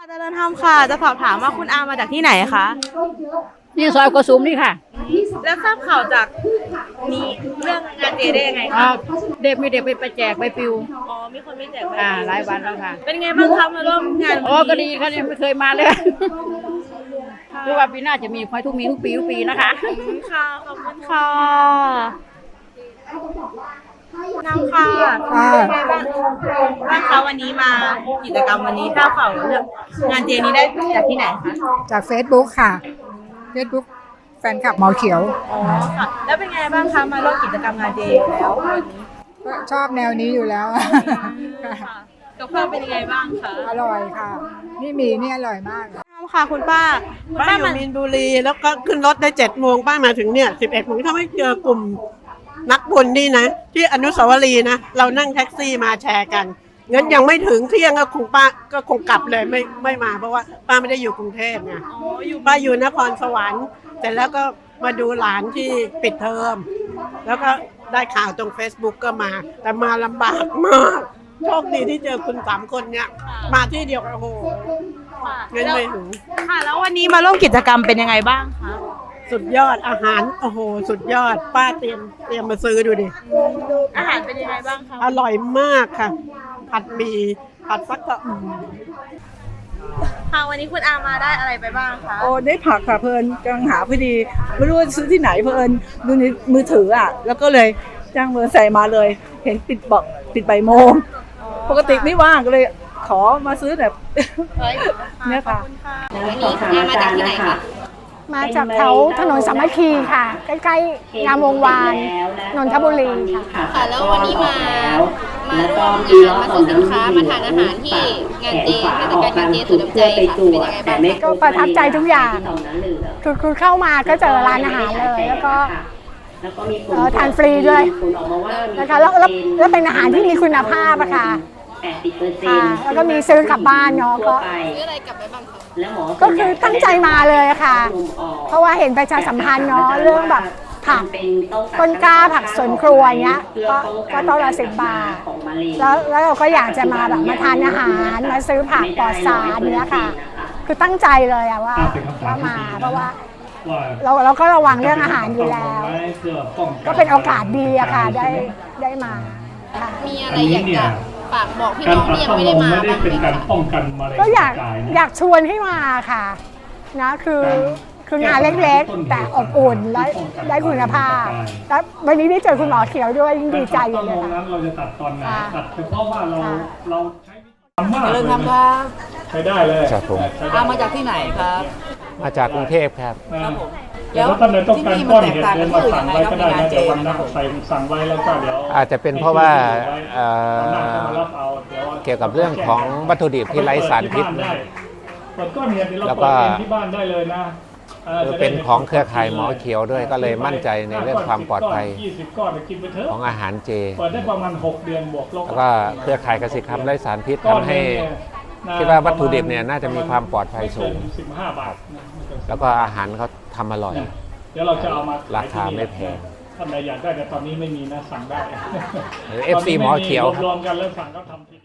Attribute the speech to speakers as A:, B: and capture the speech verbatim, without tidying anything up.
A: เจริญธรรมค่ะจะสอบถามว่าคุณอามาจากที่ไหนคะ
B: นี่ซอยกระสุมนี่ค่ะ
A: แล้วทราบข่าวจากนี้เรื่องงานเจได้ยังไงคะ
B: เด็กมีเด็กไปไปแจกไปปิว
A: อ๋อมีคนไม่แจกไป
B: อ่าหลายวันแล้วค่ะ
A: เป็นไงบ้างคะมาร่วมงาน
B: อ๋อก็ดีค่ะยังไม่เคยมาเลยหรือว่าปีหน้าจะมีคอยทุกมีทุกปีทุกปีนะคะ
A: ค่ะขอบคุณค่ะน้ำค่ะเป็นไงบ้างบ้างคะวันนี้มากิจกรรมวันนี้ทราบข่าวเรื่องงานเจนี้ได้จากที่ไหนคะ
C: จาก Facebook ค่ะ Facebook แฟนคลับหมอเขียว
A: อ๋อค่ะแล้วเป็นไงบ้างคะมาร่วมกิจกรรมงานเจแล้ววันนี้
C: ก็ชอบแนวนี้อยู่แล้ว
A: กับข้าวเป็นยังไงบ้างคะ
C: อร่อยค่ะนี่มีนี่อร่อยมาก
A: ค่ะคุณป้าคุณ
D: ป้าอยู่มีนบุรีแล้วก็ขึ้นรถได้เจ็ดโมงป้ามาถึงเนี่ยสิบเอ็ดโมงถ้าไม่เจอกลุ่มนักบุญนี่นะที่อนุสาวรีย์นะเรานั่งแท็กซี่มาแชร์กันงั้นยังไม่ถึงเที่ยงก็คงป้าก็คงกลับเลยไม่ไม่มาเพราะว่าป้าไม่ได้อยู่กรุงเทพไงป้าอยู่นครสวรรค์แต่แล้วก็มาดูหลานที่ปิดเทอมแล้วก็ได้ข่าวตรง Facebook ก็มาแต่มาลำบากมากโชคดีที่เจอคุณสามคนเนี่ยมาที่เดียวกันโอ้โหงั้นไม่ถึง
A: ค่ะแล้ววันนี้มาร่วมกิจกรรมเป็นยังไงบ้างคะ
D: สุดยอดอาหารโอ้โหสุดยอดป้าเตรียมเตรียมมาซื้อดูดิ
A: อาหารเป็นยังไงบ้างคะ
D: อร่อยมากค่ะผัดหมี่ผัดฟักทอง
A: ค่ะวันนี้คุณอามาได้อะไรไปบ้างคะ
E: โอ้ได้ผักค่ะเพลินกำลังหาพอดีไม่รู้ว่าซื้อที่ไหนเพลินดูในมือถืออ่ะแล้วก็เลยจ้างมือใส่มาเลยเห็นปิดบอกปิดใบโมงปกติไม่ว่างก็เลยขอมาซื้อแบบเนี่ยค่ะ
A: วันนี้อามาจากที่ไหนคะ
F: มาจากแถวถนนสามัคคีค่ะ ใกล้ๆงามวงวานนนทบุรีค่ะ
A: ค่ะแล้ววันนี้มามาร่วมงานมาซื้อสินค้ามาทานอาหารที่งานเจเทศกาลงานเจสุดน้ำใจค่ะเป็นยังไงบ้าง
F: ก็ประทับใจทุกอย่างคือคือเข้ามาก็เจอร้านอาหารเลยแล้วก็ทานฟรีด้วยนะคะแล้วแล้วเป็นอาหารที่มีคุณภาพอะค่ะแล้วก็มีซื้อกลับบ้านเนาะก็
A: ซื้ออะไรกลับไปบ้างคะ
F: ก็คือตั้งใจมาเลยค่ะเพราะว่าเห็นประชาสัมพันธ์เนาะเรื่องแบบผักต้นกล้าผักสวนครัวเงี้ยก็ก็ต้นละสิบบาทแล้วแล้วเราก็อยากจะมาแบบมาทานอาหารมาซื้อผักปลอดสารเนี้ยค่ะคือตั้งใจเลยอะว่าว่ามาเพราะว่าเราเราก็ระวังเรื่องอาหารอยู่แล้วก็เป็นโอกาสดีอะค่ะได้ได้มาค่ะ
A: มีอะไรอยากจะฝากบอกพี่น้องที่ยังไม่ได้มาบ้างไหมคะ
F: ก็อยากอยากชวนให้มาค่ะนะคือคืองานเล็กๆแต่อบอุ่นและได้คุณภาพแล้ววันนี้ได้เจอคุณหมอเขียวด้วยยิ่งดีใจเลยค่ะ
G: เราจะตัดตอนไหนตัดเฉพาะว่าเราเราใช้
E: ทำมากเริ่มทำครับ
G: ใช้ได้เลย
H: ครับผม
E: อามาจากที่ไหนครับ
H: มาจากกรุงเทพครับ
G: แล้วท่านใดต้องการก้อนเห็ดเดินมาสั่งไว้ก็ได้นะเดี๋ยววันนั้นใส่สั่งไว้แล้วก็เดี๋ยว
H: อาจจะเป็นเพราะว่าเกี่ยวกับเรื่องของวัตถุดิบที่ไร้สารพิษแล้วก็เป็นของเครือข่ายหมอเขียวด้วยก็เลยมั่นใจในเรื่องความปลอดภัยของอาหารเจแล้วก็เครือข่ายเกษตรกรรมไร้สารพิษทำให้คิดว่าวัตถุดิบเนี่ยน่าจะมีความปลอดภัยสูงแล้วก็อาหารเขาทำอร่อยราคาไม่แพง
G: ท่านใดอยากได้แต่ตอนนี้ไม่มีนะสั่งได้
H: หรือ เอฟ ซี หมอเขียว
G: รวมกันแล้วสั่งก็ทำ